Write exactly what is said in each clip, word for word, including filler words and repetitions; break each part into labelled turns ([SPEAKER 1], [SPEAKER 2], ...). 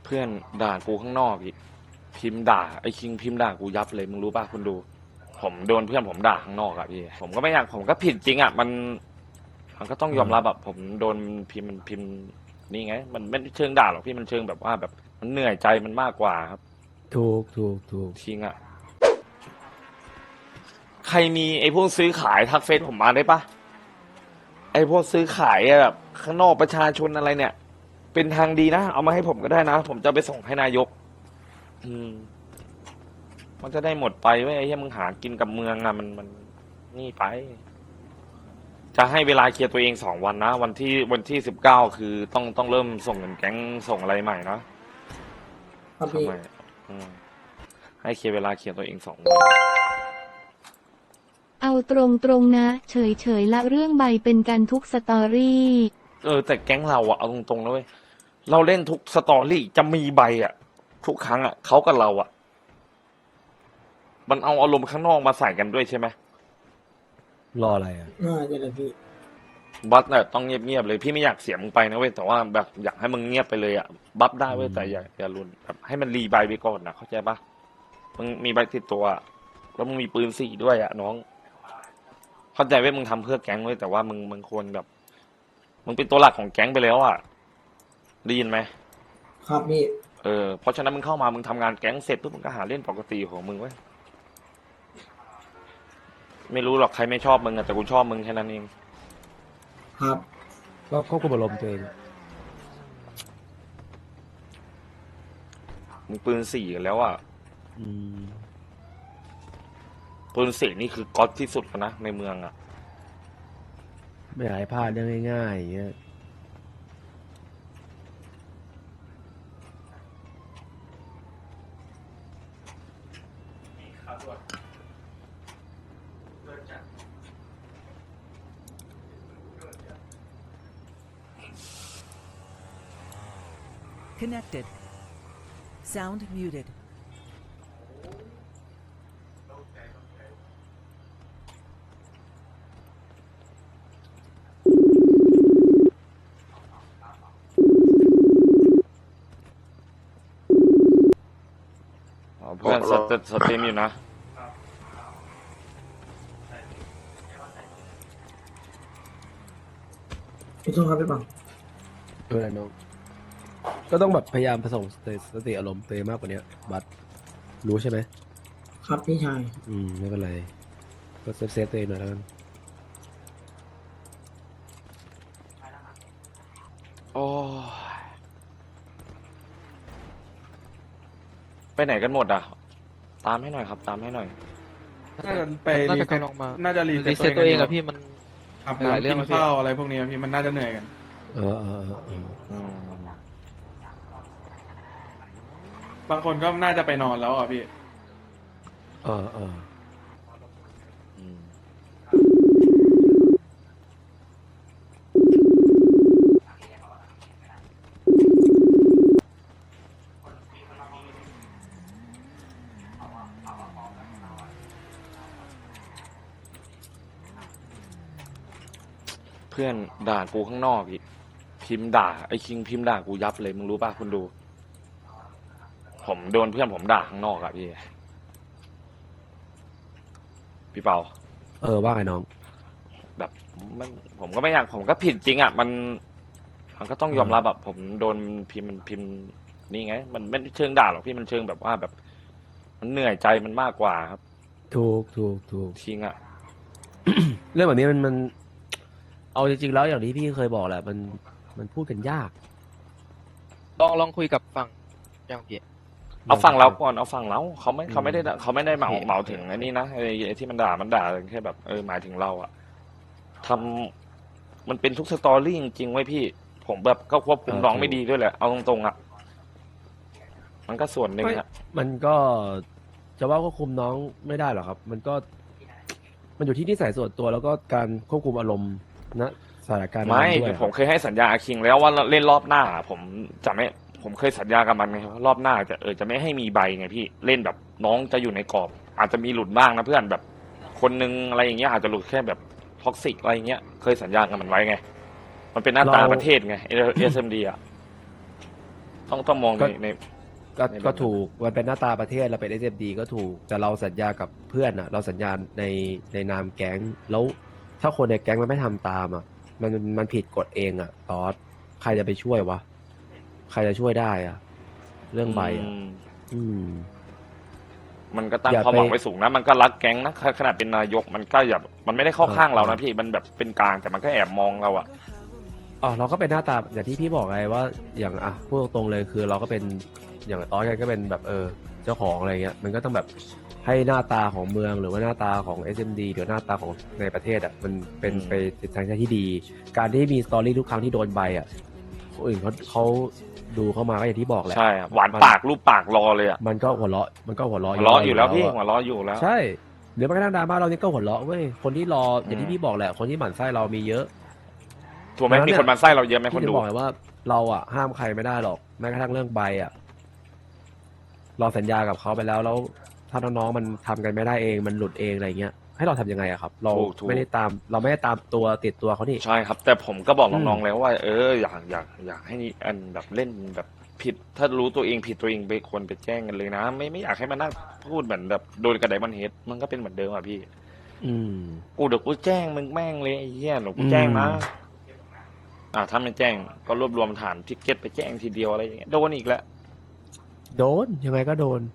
[SPEAKER 1] เพื่อนด่ากูข้างนอกอีกพิมพ์ด่าไอ้คิงพิมพ์ด่ากูยับเลยมึงรู้ป่ะคุณดูผมโดนเพื่อนผมด่าข้างนอกอะพี่ผมก็ไม่อยากผมก็ผิดจริงอะมันมันก็ต้องยอมรับแบบผมโดนพิมพ์มันพิมพ์นี่ไงมันไม่เชิงด่าหรอกพี่มันเชิงแบบว่าแบบมันเหนื่อยใจมันมากกว่าครับ
[SPEAKER 2] ถูกถูกถูก
[SPEAKER 1] ทิ้งอะใครมีไอ้พวกซื้อขายทักเฟซผมมาได้ปะไอ้พวกซื้อขายอะแบบข้างนอกประชาชนอะไรเนี่ย เป็นทางดีนะเอามาให้ผมก็ได้นะผมจะไปส่งให้นายก อืม มันจะได้หมดไปเว้ยไอ้เหี้ยมึงหากินกับเมืองอะมันมันนี่ไป จะให้เวลาเคลียร์ตัวเองสองวันนะวันที่วันที่สิบเก้าคือต้องต้องเริ่มส่งเงินแก๊งส่งอะไรใหม่นะครับ
[SPEAKER 3] พี่
[SPEAKER 1] ทำไมอืมให้เคลียร์เวลาเคลียร์ตัวเองสองวัน
[SPEAKER 4] เอาตรงตรงนะ เฉยเฉยละเรื่องใบเป็นกันทุกสตอรี่
[SPEAKER 1] เออแต่แก๊งเราอะเอาตรงๆนะเว้ยเราเล่นทุกสตอรี่จะมีใบอะทุกครั้งอะเขากับเราอะมันเอาอารมณ์ข้างนอกมาใส่กันด้วยใช่ไหม
[SPEAKER 2] รออะไรอ่ะ
[SPEAKER 3] น่าจะเลยพี่
[SPEAKER 1] บัฟเนี่ยต้องเงียบๆเลยพี่ไม่อยากเสียมึงไปนะเว้ยแต่ว่าแบบอยากให้มึงเงียบไปเลยอะบัฟได้เว้ยแต่อย่าอย่ารุนแบบให้มันรีใบไปก่อนนะเข้าใจปะมึงมีใบติดตัวอะแล้วมึงมีปืนสี่ด้วยอะน้อง เข้าใจเว้ยมึงทำเพื่อแก๊งเว้ยแต่ว่ามึงมึงควรแบบ มึงเป็นตัวหลักของแก๊งไปแล้วอะได้ยินไหม
[SPEAKER 3] ครับพี่
[SPEAKER 1] เออเพราะฉะนั้นมึงเข้ามามึงทำงานแก๊งเสร็จปุ๊บมึงก็หาเล่นปกติของมึงเว้ยไม่รู้หรอกใครไม่ชอบมึงอะแต่กูชอบมึงแค่นั้นเอง
[SPEAKER 3] ครับ
[SPEAKER 2] ก็ควบคุมอารมณ์ตัวเอง
[SPEAKER 1] มึงปืนสี่กันแล้วอะ
[SPEAKER 2] อืม
[SPEAKER 1] ปืนสี่นี่คือก๊อตที่สุดแล้วนะในเมืองอะ
[SPEAKER 2] ไม่อยากให้พลาดเรื่องง่ายๆอย่างเงี้ย
[SPEAKER 5] Connected. Sound muted.
[SPEAKER 1] อ๋อเพื่อนสตสตรีมอยู่นะ
[SPEAKER 3] พี่โทษครับพี่ปัง
[SPEAKER 2] เออน้องก็ต้องแบบพยายามผสมสติสติอารมณ์ตัวเองมากกว่านี้บัตรรู้ใช่ไหม
[SPEAKER 3] ครับพี่ชาย
[SPEAKER 2] อืมไม่เป็นไรก็เซฟเซฟตัวเองหน่อยแล้วกัน
[SPEAKER 1] โอ้ยไปไหนกันหมดอ่ะ ตามให้หน่อยครับ ตามให้หน่อย
[SPEAKER 6] น่าจะไป
[SPEAKER 7] น่า
[SPEAKER 6] รี
[SPEAKER 7] จะ
[SPEAKER 6] เซ็ต
[SPEAKER 7] กำลังมา
[SPEAKER 6] น่าจะรี
[SPEAKER 7] รี
[SPEAKER 6] เซ็
[SPEAKER 7] เซ็
[SPEAKER 6] ต
[SPEAKER 7] ต
[SPEAKER 6] ตั
[SPEAKER 7] ตัว ว
[SPEAKER 6] เอ
[SPEAKER 7] เอง ง
[SPEAKER 6] กั
[SPEAKER 7] อะ
[SPEAKER 6] น
[SPEAKER 7] พี่มัน
[SPEAKER 6] อาบ
[SPEAKER 7] หลายเรื่
[SPEAKER 6] น้ำ
[SPEAKER 7] อง
[SPEAKER 6] กิน
[SPEAKER 7] อะพี่
[SPEAKER 6] ข้าวอะไรพวกนี้พี่มันน่าจะเหนื่อยกัน
[SPEAKER 2] เออเออเออเออ
[SPEAKER 1] อืม
[SPEAKER 6] บางคนก็น่าจะไปนอนแล้วอ่ะพี่
[SPEAKER 2] เออเออ
[SPEAKER 1] อืมเพื่อนด่ากูข้างนอกอีกพิมพ์ด่าไอ้คิงพิมพ์ด่ากูยับเลยมึงรู้ป่ะคุณดู ผมโดนเพื่อนผมด่าข้างนอกอะพี่ พี่เปา
[SPEAKER 2] เออว่าไงน้อง
[SPEAKER 1] แบบมันผมก็ไม่อยากผมก็ผิดจริงอ่ะมันมันก็ต้องยอมรับแบบผมโดนพิมพ์มันพิมพ์นี่ไง มันไม่เชิงด่าหรอกพี่มันเชิงแบบว่าแบบ มันเหนื่อยใจมันมากกว่าครับ
[SPEAKER 2] ถูกถูกถูก
[SPEAKER 1] ทิ้งอ่ะ
[SPEAKER 2] เรื่องแบบนี้มันมัน เอาจริงๆแล้วอย่างที่พี่เคยบอกแหละมันมันพูดกันยาก
[SPEAKER 7] ลองลองคุยกับฝั่งอย่างพี่
[SPEAKER 1] เอาฝั่งเราก่อนเอาฝั่งเราเขาไม่เขาไม่ได้เขาไม่ได้เหมา
[SPEAKER 7] โอเค
[SPEAKER 1] เหมาถึงไอ้นี่นะไอ้ไอ้ที่มันด่ามันด่าแค่แบบเออหมายถึงเราอะทำมันเป็นทุกสตอรี่จริงๆไว้ยพี่ ผมแบบก็ควบคุมน้องไม่ดีด้วยแหละเอาตรงๆอะมันก็ส่วนหนึ่งอะ
[SPEAKER 2] มันก็จะว่าควบคุมน้องไม่ได้หรอกครับ มันก็ มันอยู่ที่นิสัยส่วนตัวแล้วก็การควบคุมอารมณ์นะสถานการณ์นั้น
[SPEAKER 1] ไม่
[SPEAKER 2] ด้วย
[SPEAKER 1] ผมเคยให้สัญญาอาคิงแล้วว่าเล่นรอบหน้า ผมจะไม่ผมเคยสัญญากับมันไงว่ารอบหน้าจะเออจะไม่ให้มีใบไงพี่เล่นแบบน้องจะอยู่ในกรอบ อาจจะมีหลุดบ้างนะเพื่อนแบบ คนนึงอะไรอย่างเงี้ยอาจจะหลุดแค่แบบท็อกซิกอะไรอย่างเงี้ยเคยสัญญากับมันไว้ไง มันเป็นหน้าตาประเทศไงเอสเอ็มดีอ่ะต้องต้องมอง
[SPEAKER 2] ก็
[SPEAKER 1] ในใน
[SPEAKER 2] ก็
[SPEAKER 1] ในแบบ
[SPEAKER 2] ก็ถูกมันเป็นหน้าตาประเทศเราเป็น เอส เอ็ม ดี ก็ถูกแต่เราสัญญากับเพื่อนอ่ะ เราสัญญาในในนามแก๊งแล้วถ้าคนในแก๊งมันไม่ทำตามอ่ะ มันมันผิดกฎเองอ่ะตอสใครจะไปช่วยวะใครจะช่วยได้อ่ะ เรื่องใบอ่ะ
[SPEAKER 1] อืม
[SPEAKER 2] อืม
[SPEAKER 1] มันก็ตั้ง
[SPEAKER 2] อย่า
[SPEAKER 1] ความหวัง
[SPEAKER 2] ไป
[SPEAKER 1] ไว้สูงนะ มันก็รักแก๊งนะขนาดเป็นนายกมันก็อย่ามันไม่ได้เข้า
[SPEAKER 2] เออ
[SPEAKER 1] ข้างเรานะ
[SPEAKER 2] เออ
[SPEAKER 1] พี่มันแบบเป็นกลางแต่มันก็แอบมองเราอะ
[SPEAKER 2] อ๋อเราก็เป็นหน้าตาอย่างที่พี่บอกไงว่าอย่างอ่ะพูดตรงๆเลยคือเราก็เป็นอย่างตอนกันก็เป็นแบบเออเจ้าของอะไรเงี้ยมันก็ต้องแบบให้หน้าตาของเมืองหรือว่าหน้าตาของ เอส เอ็ม ดี หรือหน้าตาของในประเทศอ่ะมันเป็นไปในทางที่ดี การที่มีสตอรี่ทุกครั้งที่โดนใบอ่ะคนอื่นเขาเขาดูเข้ามาก็อย่างที่บอกแหละ
[SPEAKER 1] ใช่อะหวานปากรูปปากรอเลยอะ
[SPEAKER 2] มันก็หัวเราะมันก็หัวเราะ
[SPEAKER 1] หัวเราะอยู่แล้วพี่
[SPEAKER 2] อะ
[SPEAKER 1] หัวเราะอยู่แล้ว
[SPEAKER 2] ใช่หรือแม้กระทั่งดราม่าเรานี่ก็หัวเราะเว้ยคนที่รออย่าง
[SPEAKER 1] อื
[SPEAKER 2] ที่
[SPEAKER 1] ม
[SPEAKER 2] พี่บอกแหละคนที่หมั่นไส้เรามีเยอะ
[SPEAKER 1] ถูกไหม
[SPEAKER 2] ดังนั้น
[SPEAKER 1] มี
[SPEAKER 2] เนี่ย
[SPEAKER 1] คนมาไส้เราเยอะไหมคน
[SPEAKER 2] พี่จะ
[SPEAKER 1] ดู
[SPEAKER 2] บอกเลยว่าเราอ่ะห้ามใครไม่ได้หรอกแม้กระทั่งเรื่องใบอ่ะเราสัญญากับเขาไปแล้วแล้วถ้าน้องๆมันทำกันไม่ได้เองมันหลุดเองอะไรเงี้ยให้เราทำยังไงอะครับ เรา
[SPEAKER 1] ถูกถูก
[SPEAKER 2] ไม่ได้ตาม เราไม่ได้ตามตัวติดตัวเขานี่
[SPEAKER 1] ใช่ครับ แต่ผมก็บอก
[SPEAKER 2] อื
[SPEAKER 1] น้อง
[SPEAKER 2] ม
[SPEAKER 1] ๆแล้วว่า เอออยากอยากอยากให้อันแบบเล่นแบบผิด ถ้ารู้ตัวเองผิดตัวเองไปควรไปแจ้งกันเลยนะ ไม่ไม่อยากให้มานั่งพูดเหมือนแบบโดนกระไดมันเฮดมันก็เป็นเหมือนเดิมอ่ะพี่
[SPEAKER 2] อืม
[SPEAKER 1] กูเดี๋ยวกูแจ้งมึงแม่งเลยไอ้เหี้ยเดี๋ยวกูแจ้งนะ
[SPEAKER 2] อืม
[SPEAKER 1] อ่าถ้าไม่แจ้งก็รวบรวมฐานทิกเก็ตไปแจ้งทีเดียวอะไรอย่างเงี้ยโดนอีกแล้ว
[SPEAKER 2] โดนยังไงก็โดน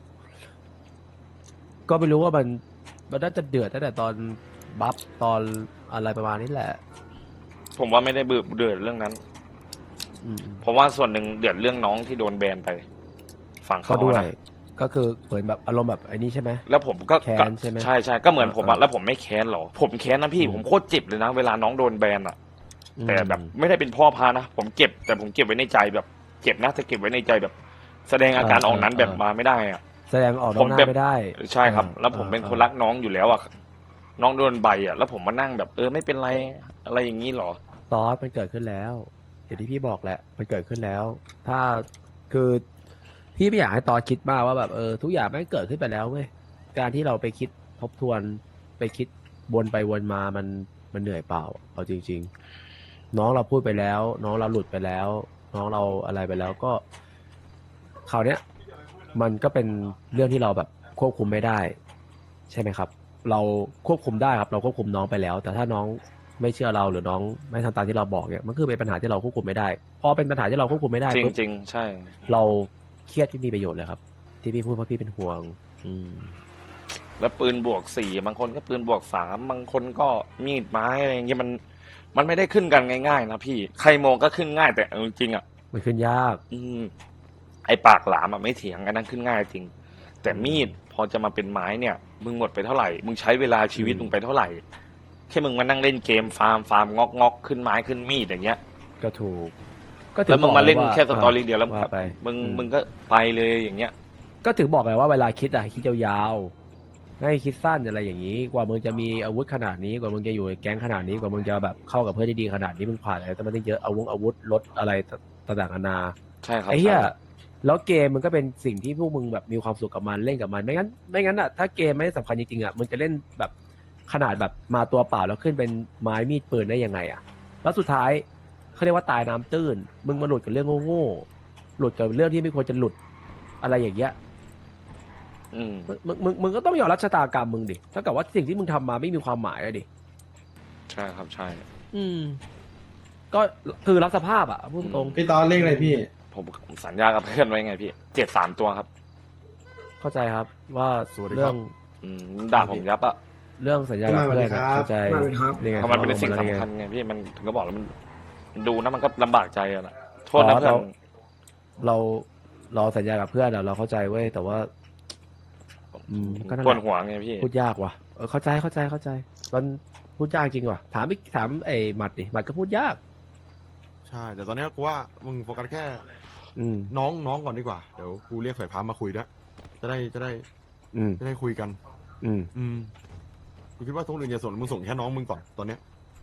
[SPEAKER 2] ก็ไม่รู้ว่ามันมันน่าจะเดือดตั้งแต่ตอนบัฟตอนอะไรประมาณนี้แหละ
[SPEAKER 1] ผมว่าไม่ได้เบื่อเดือดเรื่องนั้น
[SPEAKER 2] อืม
[SPEAKER 1] เพราะว่าส่วนหนึ่งเดือดเรื่องน้องที่โดนแบนไป ฝั่ง
[SPEAKER 2] ก็
[SPEAKER 1] เขา
[SPEAKER 2] ด้วย
[SPEAKER 1] นะ
[SPEAKER 2] ก็คือเหมือนแบบอารมณ์แบบไอ้นี่ใช่ไหม
[SPEAKER 1] แล้วผมก็
[SPEAKER 2] แค้น
[SPEAKER 1] ก็
[SPEAKER 2] ใช่ไหม
[SPEAKER 1] ใช่ใช่ก็เหมือนผม
[SPEAKER 2] อ่า
[SPEAKER 1] อะแล้วผมไม่แค้นหรอ ผมแค้นนะพี่
[SPEAKER 2] อืม
[SPEAKER 1] ผมโคตรเจ็บเลยนะ เวลาน้องโดนแบนอะ
[SPEAKER 2] อืม
[SPEAKER 1] แต่แบบไม่ได้เป็นพ่อพานะ ผมเก็บแต่ผมเก็บไว้ในใจแบบเจ็บนะแต่เก็บไว้ในใจแบบ แสดงอาการออกนั้นแบบมาไม่ได้อะ
[SPEAKER 2] แสดงออกน
[SPEAKER 1] ผ
[SPEAKER 2] อก
[SPEAKER 1] ม
[SPEAKER 2] หน้า
[SPEAKER 1] แบบ
[SPEAKER 2] ไม่ได้
[SPEAKER 1] ใช่ครับ
[SPEAKER 2] อ่า
[SPEAKER 1] แล้วผมเป็น
[SPEAKER 2] อ่า
[SPEAKER 1] คนรักน้องอยู่แล้วอะน้องโดนใบอะแล้วผมมานั่งแบบเออไม่เป็นไรอะไรอย่างนี้หรอ
[SPEAKER 2] ซอสมันเกิดขึ้นแล้วอย่างที่พี่บอกแหละ มันเกิดขึ้นแล้ว ถ้าคือพี่ไม่อยากให้ตอสคิดมากว่าแบบเออทุกอย่างมันเกิดขึ้นไปแล้วเว้ยการที่เราไปคิดทบทวนไปคิดวนไปวนมามันมันเหนื่อยเปล่าเอาจริง ๆ น้องเราพูดไปแล้ว น้องเราหลุดไปแล้ว น้องเราอะไรไปแล้วก็คราวเนี้ย มันก็เป็นเรื่องที่เราแบบควบคุมไม่ได้ ใช่ไหมครับ เราควบคุมได้ครับ เราควบคุมน้องไปแล้ว แต่ถ้าน้องไม่เชื่อเราหรือน้องไม่ทำตามที่เราบอกเนี่ยมันคือเป็นปัญหาที่เราควบคุมไม่ได้พอเป็นปัญหาที่เราควบคุมไม่ได้
[SPEAKER 1] จริง
[SPEAKER 2] ปุ๊บ
[SPEAKER 1] จริงๆใช่
[SPEAKER 2] เราเครียดที่มีประโยชน์เลยครับ ที่พี่พูดเพราะพี่เป็นห่วง อืม
[SPEAKER 1] แล้วปืนบวกสี่บางคนก็ปืนบวกสามบางคนก็มีดไม้อะไรอย่างเงี้ยมัน มันไม่ได้ขึ้นกันง่ายๆนะพี่ใครมองก็ขึ้นง่ายแต่เอาจริงๆอ่ะ
[SPEAKER 2] มันขึ้นยาก
[SPEAKER 1] อืมไอปากหลามอ่ะไม่เถียงกันนั่นขึ้นง่ายจริง แต่มีดพอจะมาเป็นไม้เนี่ย มึงหมดไปเท่าไหร่ มึงใช้เวลาชีวิต
[SPEAKER 2] อืม
[SPEAKER 1] มึงไปเท่าไหร่แค่มึงมานั่งเล่นเกมฟาร์มฟาร์มงอกงอกขึ้นไม้ขึ้นมีดอย่างเงี้ย
[SPEAKER 2] ก็ถูก ก็ถึ
[SPEAKER 1] แล้วมึงมาเล่น
[SPEAKER 2] บอก
[SPEAKER 1] แค่สตอรี่
[SPEAKER 2] า
[SPEAKER 1] เดียวแล้ว
[SPEAKER 2] ว่าไป
[SPEAKER 1] มึง
[SPEAKER 2] อื
[SPEAKER 1] มึงก็ไปเลยอย่างเงี้ย
[SPEAKER 2] ก็ถึงบอกไงว่าเวลาคิดอะให้คิดยาวๆให้คิดสั้นอะไรอย่างนี้ กว่ามึงจะมีอาวุธขนาดนี้กว่ามึงจะอยู่ในแก๊งขนาดนี้กว่ามึงจะแบบเข้ากับเพื่อนที่ดีขนาดนี้มึงผ่านอะไรตั้งแต่เยอะอาวุธอาวุธรถอะไรต่างๆนานา
[SPEAKER 1] ใช่ครับ
[SPEAKER 2] ไอ้เหี้ย
[SPEAKER 1] ใช่
[SPEAKER 2] แล้วเกมมันก็เป็นสิ่งที่พวกมึงแบบมีความสุขกับมันเล่นกับมันไม่งั้นไม่งั้นอะถ้าเกมไม่ได้สำคัญจริงๆอะมึงจะเล่นแบบขนาดแบบมาตัวเปล่าแล้วขึ้นเป็นไม้มีดปืนได้ยังไงอะแล้วสุดท้ายเขาเรียกว่าตายน้ำตื้น มึงมาหลุดกับเรื่องโง่ๆหลุดกับเรื่องที่ไม่ควรจะหลุดอะไรอย่างเงี้ย
[SPEAKER 1] อืม
[SPEAKER 2] มึงมึงมึงก็ต้องยอมรับชะตากรรมมึงดิเท่ากับว่าสิ่งที่มึงทำมาไม่มีความหมายอะดิ
[SPEAKER 1] ใช่ครับใช่
[SPEAKER 2] อืม ก็คือรับสภาพอะพูดตรง
[SPEAKER 3] พี่ตอนเลขอะไรพี่
[SPEAKER 1] ผมสัญญากับเพื่อนไว้ไงพี่เจ็ดสามตัวครับ
[SPEAKER 2] เข้าใจครับ ว่า
[SPEAKER 8] สวัสดี
[SPEAKER 2] เรื่
[SPEAKER 8] ค
[SPEAKER 2] อ
[SPEAKER 8] รั
[SPEAKER 2] ง
[SPEAKER 8] บ
[SPEAKER 1] อืมด่าผมยับอะ
[SPEAKER 2] เรื่องสัญญากับเพื่อน
[SPEAKER 3] สวัสดี
[SPEAKER 2] อะ
[SPEAKER 3] ครับ
[SPEAKER 2] เข้าใจ
[SPEAKER 3] สวัสดีครับ
[SPEAKER 2] นี่ไง
[SPEAKER 1] เพราะมันเป็นสิ่ง
[SPEAKER 2] ขาบอกมา
[SPEAKER 1] สำคั
[SPEAKER 2] แล้ว
[SPEAKER 1] ญ
[SPEAKER 2] ไง
[SPEAKER 1] ไงพี่มันถึงก็บอกแล้วมันดูนะมันก็ลำบากใจอะนะโทษนะ
[SPEAKER 2] อ๋อ
[SPEAKER 1] เพื่อน
[SPEAKER 2] เรา เราเราสัญญากับเพื่อนอะเราเข้าใจเว้ยแต่ว่า อืมก็นั่น
[SPEAKER 1] ปวด
[SPEAKER 2] แหละ
[SPEAKER 1] หัวไงพี่
[SPEAKER 2] พูดยากว่ะเออเข้าใจเข้าใจเข้าใจ มันพูดยากจริงว่ะถามอีกถามไอ้หมัดดิหมัดก็พูดยาก
[SPEAKER 8] ใช่ แต่ตอนเนี้ยกูว่ามึงโฟกัสแค่
[SPEAKER 2] อืม
[SPEAKER 8] น้องน้องก่อนดีกว่า เดี๋ยวกูเรียกสายพามาคุยด้วยจะได้จะได้
[SPEAKER 2] อืม
[SPEAKER 8] จะได้คุยกัน
[SPEAKER 2] อืม
[SPEAKER 8] อืมกูคิดว่าทุกเรื่องอย่าสนมึงส่งแค่น้องมึงก่อนตอนเนี้ย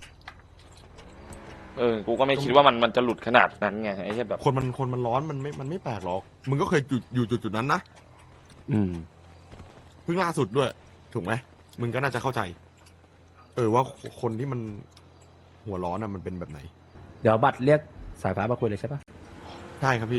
[SPEAKER 1] เออกูก็ไม่คิดว่ามันมันจะหลุดขนาดนั้นไงไอ้แค่แบบ
[SPEAKER 8] คนมันคนมันร้อนมันไม่มันไม่แปลกหรอก มึงก็เคยอยู่อยู่จุดจุดนั้นนะ
[SPEAKER 2] อืม
[SPEAKER 8] เพิ่งล่าสุดด้วย ถูกไหมมึงก็น่าจะเข้าใจ เออว่าคนที่มันหัวร้อนอ่ะมันเป็นแบบไหน
[SPEAKER 2] เดี๋ยวบัตรเรียกสายฟ้ามาคุยเลยใช่ปะ
[SPEAKER 8] ใช่ครับพี่
[SPEAKER 2] โอ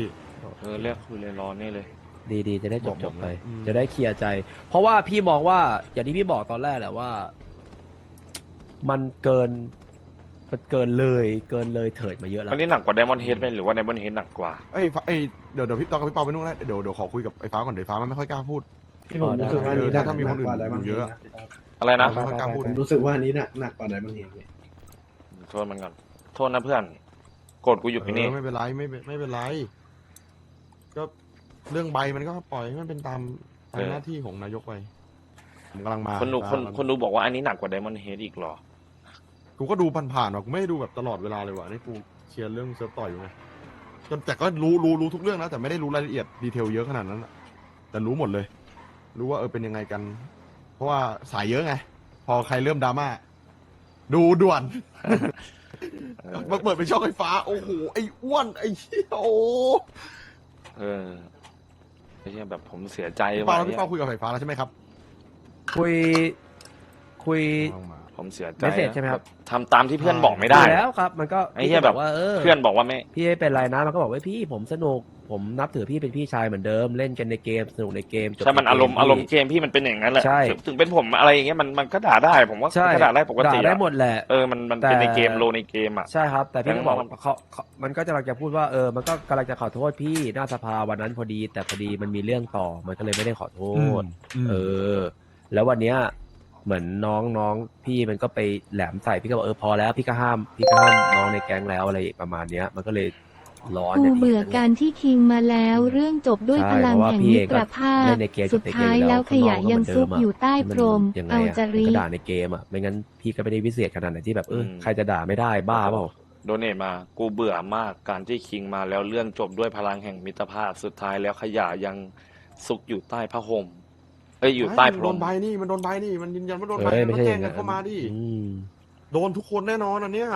[SPEAKER 1] เออเรียกคุยเลยรอนี่เลย
[SPEAKER 2] ดีดีจะได้จ
[SPEAKER 8] บอก
[SPEAKER 2] บ
[SPEAKER 8] ผ
[SPEAKER 2] จ
[SPEAKER 8] ม
[SPEAKER 2] บ
[SPEAKER 8] นะ
[SPEAKER 2] ไป
[SPEAKER 8] อืม
[SPEAKER 2] จะได้เคลียร์ใจ เพราะว่าพี่มองว่าอย่างที่พี่บอกตอนแรกแหละว่า มันเกินมันเกินเลยเกินเลยเถิดมาเยอะแล้ว
[SPEAKER 1] อันนี้หนักกว่าไดมอนด์เฮดไหมหรือว่าไดมอนด์เฮดหนักกว่า
[SPEAKER 8] เอ้ยฟ้าเอ้ยเดี๋ยวเดี๋ยวพี่ตอนกับพี่เปาไปนู่นแล้วเดี๋ยวเดี๋ยวขอคุยกับไอ้ฟ้าก่อนเดี๋ยวฟ้ามันไม่ค่อยกล้าพูด
[SPEAKER 9] ที่ผมรู้สึกว่าอันนี้
[SPEAKER 8] เออ
[SPEAKER 9] หนัก
[SPEAKER 8] ถ้ามีคนอื่น
[SPEAKER 9] กว่าไดมอน
[SPEAKER 8] อยู่
[SPEAKER 9] ด์
[SPEAKER 8] เย
[SPEAKER 9] เฮ
[SPEAKER 8] อะ
[SPEAKER 9] ดนะ
[SPEAKER 1] อะไรนะ
[SPEAKER 8] ไม่ค่อยกล้าพูด
[SPEAKER 9] ผมรู้สึกว่าอันนี้หนักหนักกว่าไดมอนด์เฮดเลย
[SPEAKER 1] โทษมันก่อนโทษนะเพื่อนโกรธกูอยู่ที่นี่
[SPEAKER 8] เออไม่เป็นไรไม่เป็นไม่เป็นไร ก็เรื่องใบมันก็ปล่อยให้มันเป็นตามตามหน้าที่ของนายกไปผมกำลังมา
[SPEAKER 1] คนดูคน
[SPEAKER 8] ฟ้า
[SPEAKER 1] คนดูบอกว่าอันนี้หนักกว่าไดมอนด์เฮดอีกเหรอ
[SPEAKER 8] กูก็ดูผ่านๆหรอกกูไม่ได้ดูแบบตลอดเวลาเลยว่ะนี่กูเคลียร์เรื่องเซิร์ฟต่อยอยู่ไงจนแต่ก็รู้รู้รู้ทุกเรื่องนะแต่ไม่ได้รู้รายละเอียดดีเทลเยอะขนาดนั้นอะแต่รู้หมดเลย รู้ว่าเออเป็นยังไงกัน เพราะว่าสายเยอะไง พอใครเริ่มดราม่าดูด่วน มาเปิดเป็นช่องไฟฟ้า โอ้โห ไอ้อ้วน ไอ้เหี้ยโอ้
[SPEAKER 1] เออไม่ใช่แบบผมเสียใจ
[SPEAKER 8] พี่
[SPEAKER 1] ว่ะ
[SPEAKER 8] เปาแล้ว
[SPEAKER 1] เนี่
[SPEAKER 8] พี่
[SPEAKER 1] ย
[SPEAKER 8] เปาคุยกับไฟฟ้าแล้วใช่ไหมครับ
[SPEAKER 2] คุยคุย
[SPEAKER 1] ผมเสียใจ
[SPEAKER 2] เมสเสจใช่ไหมครับ
[SPEAKER 1] ทำตามที่เพื่อนบอกไม่ได้
[SPEAKER 2] คุยแล้วครับ มันก็
[SPEAKER 1] ไอ้เหี้ยแบบ
[SPEAKER 2] ว่าเออ
[SPEAKER 1] เพื่อนบอกว่าไม่
[SPEAKER 2] พี่ไม่เป็นไรนะมันก็บอกว่าพี่ผมสนุกผมนับถือพี่เป็นพี่ชายเหมือนเดิมเล่นกันในเกมสนุกในเกมจบ
[SPEAKER 1] ใช่มัน
[SPEAKER 2] ในเก
[SPEAKER 1] อารมณ์
[SPEAKER 2] พี่
[SPEAKER 1] อารมณ์เกมพี่มันเป็นอย่างนั้นแหละ
[SPEAKER 2] ใช่
[SPEAKER 1] ถึงถึงเป็นผมอะไรอย่างเงี้ยมันมันก็ด่าได้ ผมว่า
[SPEAKER 2] ใช่
[SPEAKER 1] ก็ด่าได้ปกติ
[SPEAKER 2] ด่าได้
[SPEAKER 1] อะ
[SPEAKER 2] หมดแหละ
[SPEAKER 1] เออมันมัน
[SPEAKER 2] แต่
[SPEAKER 1] เป็นในเกมโลในเกมอ่ะ
[SPEAKER 2] ใช่ครับ แต่พี่ก็บอก
[SPEAKER 1] แต่ว่า
[SPEAKER 2] เขาเขามันก็จะกำลังจะพูดว่าเออมันก็กำลังจะขอโทษพี่หน้าสภาวันนั้นพอดี แต่พอดีมันมีเรื่องต่อมันก็เลยไม่ได้ขอโทษ เออ แล้ววันเนี้ยเหมือนน้องน้องพี่มันก็ไปแหลมใส่พี่ก็บอกเออพอแล้วพี่ก็ห้ามพี่ก็ห้ามน้องในแก๊งแล้วอะไรประมาณเนี้ย มันก็เลยร้อน
[SPEAKER 4] กู
[SPEAKER 2] นี่ย
[SPEAKER 4] เบื่อการที่คิงมาแล้ว เรื่องจบด้วย
[SPEAKER 2] ใช่
[SPEAKER 4] พลัง
[SPEAKER 2] เพราะว่า
[SPEAKER 4] แห่ง
[SPEAKER 2] พี่
[SPEAKER 4] มิ
[SPEAKER 2] เอง
[SPEAKER 4] ต
[SPEAKER 2] ก็
[SPEAKER 4] รภาพ
[SPEAKER 2] เล่นในเกม
[SPEAKER 4] สุดท้ายแล้วขยะยังซุกอยู่ใต้พรม
[SPEAKER 2] ยังไง
[SPEAKER 4] เอา
[SPEAKER 2] อะ
[SPEAKER 4] จา
[SPEAKER 2] มัน
[SPEAKER 4] ริ
[SPEAKER 2] ก็ด่าในเกมอ่ะไม่งั้นพี่ก็ไม่ได้วิเศษขนาดไหนที่แบบเออ
[SPEAKER 1] อืม
[SPEAKER 2] ใครจะด่าไม่ได้บ้าเปล่า
[SPEAKER 1] โดเนทมา กูเบื่อมากการที่คิงมาแล้วเรื่องจบด้วยพลังแห่งมิตรภาพสุดท้ายแล้วขยะยังซุกอยู่ใต้ผ้าห่มเอ้ยอยู่ใต้พ
[SPEAKER 8] มัน
[SPEAKER 1] ร
[SPEAKER 8] โด
[SPEAKER 1] ม
[SPEAKER 8] นใบนี่มันโดนใบนี่มันยืนยันว่าโดนใบ
[SPEAKER 2] เอ้ย
[SPEAKER 8] มั
[SPEAKER 2] ไม่
[SPEAKER 8] น
[SPEAKER 2] ใช่
[SPEAKER 8] แจ้
[SPEAKER 2] อง ย่าง
[SPEAKER 8] กั
[SPEAKER 2] นั้น น
[SPEAKER 8] เข้ามาดิ
[SPEAKER 2] อืม
[SPEAKER 8] โดนทุกคนแน่นอนอันเนี้ย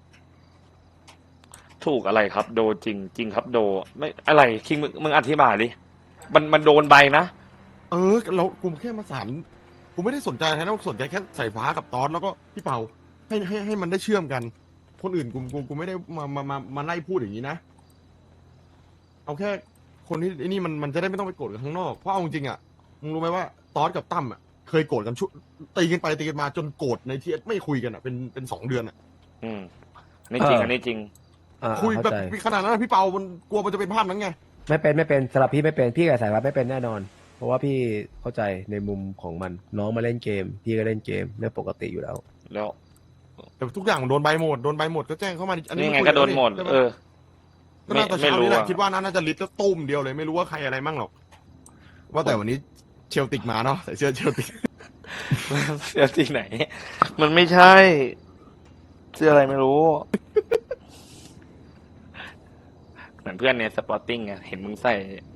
[SPEAKER 1] ถูกอะไรครับ โดจริงจริงครับโดไม่อะไรคิงมึงมึงอธิบายดิมันมันโดนใบนะ
[SPEAKER 8] เออเรากูแค่มาสานกูไม่ได้สนใจอะไรนะสนใจแค่สายฟ้ากับตอนแล้วก็พี่เปาให้ให้ให้มันได้เชื่อมกัน คนอื่นกูกูกูไม่ได้มามามามาไล่พูดอย่างนี้นะ เอาแค่คนที่ไอ้นี่มันมันจะได้ไม่ต้องไปโกรธกันข้างนอกเพราะเอาจริงๆอ่ะมึงรู้ไหมว่าตอนกับตั้มอ่ะเคยโกรธกันชุตีกันไปตีกันมาจนโกรธในที่ไม่คุยกันอ่ะเป็นเป็นสองเดือนอ่ะ
[SPEAKER 1] อืมนี่จริง
[SPEAKER 2] เอออั
[SPEAKER 1] อันนี้จริง
[SPEAKER 2] อ่า
[SPEAKER 8] คุยแบบ
[SPEAKER 2] เข้าใจ
[SPEAKER 8] ขนาดนั้นอะพี่เปามันกลัวมันจะเป็นภาพนั้นไง
[SPEAKER 2] ไม่เป็นไม่เป็นสำหรับพี่ไม่เป็นพี่กับสายวัดไม่เป็นแน่นอน เพราะว่าพี่เข้าใจในมุมของมันน้องมาเล่นเกม พี่ก็เล่นเกมเรื่องปกติอยู่แล้ว
[SPEAKER 1] แล้ว
[SPEAKER 8] แต่ทุกอย่างมันโดนใบหมดโดนใบหมดก็แจ้งเข้ามาดิอันนี้
[SPEAKER 1] นี่ไง
[SPEAKER 8] คุย
[SPEAKER 1] ก็โดนหมด
[SPEAKER 8] ใช่ไห
[SPEAKER 1] เออ
[SPEAKER 8] ก็
[SPEAKER 1] ไม่
[SPEAKER 8] น่าจะ
[SPEAKER 1] ไม่
[SPEAKER 8] เช้า
[SPEAKER 1] รู้
[SPEAKER 8] นี้แหละ
[SPEAKER 1] อะ
[SPEAKER 8] คิดว่าน่าจะลิตรตุ้มเดียวเลยไม่รู้ว่าใครอะไรมั่งหรอก ว่าแต่วันนี้เชลติกมาเนาะใส่เสื้อเชลติก
[SPEAKER 1] เสื้อที่ไหน มันไม่ใช่เสื้ออะไรไม่รู้ เหมือนเพื่อนในสปอร์ติ้งไงเห็นมึงใส่